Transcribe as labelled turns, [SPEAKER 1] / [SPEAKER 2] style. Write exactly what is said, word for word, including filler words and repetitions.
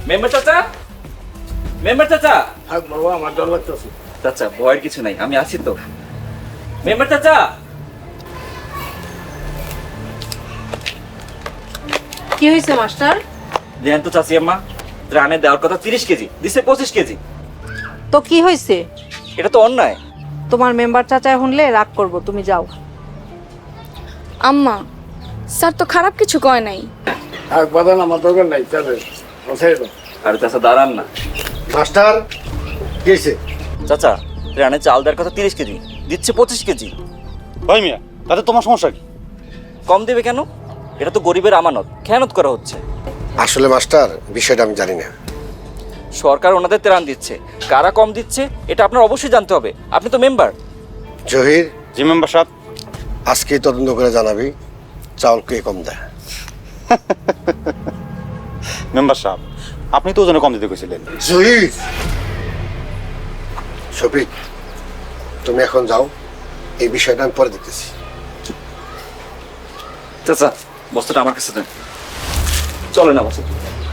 [SPEAKER 1] Member চাচা, member চাচা।
[SPEAKER 2] থাক বাবা, আমার ডর লাগতেছে।
[SPEAKER 1] চাচা ভয়ের কিছু নাই, আমি আছি তো। মেম্বার চাচা।
[SPEAKER 3] কি হয়েছে মাস্টার?
[SPEAKER 1] দেন তো চাচি আম্মা, ত্রাণে দেওয়ার কথা তিরিশ কেজি, দিছে পঁচিশ কেজি।
[SPEAKER 3] তো কি হয়েছে?
[SPEAKER 1] এটা তো অন্যায়।
[SPEAKER 3] তোমার মেম্বার চাচায় শুনলে রাগ করব, তুমি যাও।
[SPEAKER 4] আম্মা, স্যার তো খারাপ কিছু কয় নাই।
[SPEAKER 2] থাক বাদান, আমার দরকার নাই, চলে বসাই দাও।
[SPEAKER 1] আরে চাচা দাঁড়ান না।
[SPEAKER 2] মাস্টার কি হয়েছে?
[SPEAKER 1] চাচা ত্রাণে চাল দেওয়ার কথা তিরিশ কেজি, দিচ্ছে পঁচিশ কেজি।
[SPEAKER 5] ভাই মিয়া, তাতে তোমার সমস্যা কি?
[SPEAKER 1] কম দেবে কেন? এটা তো গরিবের আমানত, খেয়ানত করা হচ্ছে।
[SPEAKER 6] আসলে মাস্টার, বিষয়টা আমি জানি না।
[SPEAKER 1] সরকার ওনাদের ত্রাণ দিচ্ছে, কারা কম দিচ্ছে এটা আপনার অবশ্যই জানতে হবে, আপনি তো মেম্বার।
[SPEAKER 6] জহির,
[SPEAKER 5] জি মেম্বার সাহেব।
[SPEAKER 6] আজকেই তদন্ত করে জানাবি চাউল কে কম দেয়।
[SPEAKER 5] মেম্বার সাহেব, আপনি তো ওজনে কম দিতে কইছিলেন।
[SPEAKER 6] জহির, শফিক, তুমি এখন যাও, এই বিষয়টা আমি পরে দেখতেছি।
[SPEAKER 1] চাচা বস্তুটা আমার কাছে দেন। চলে না বস্তু।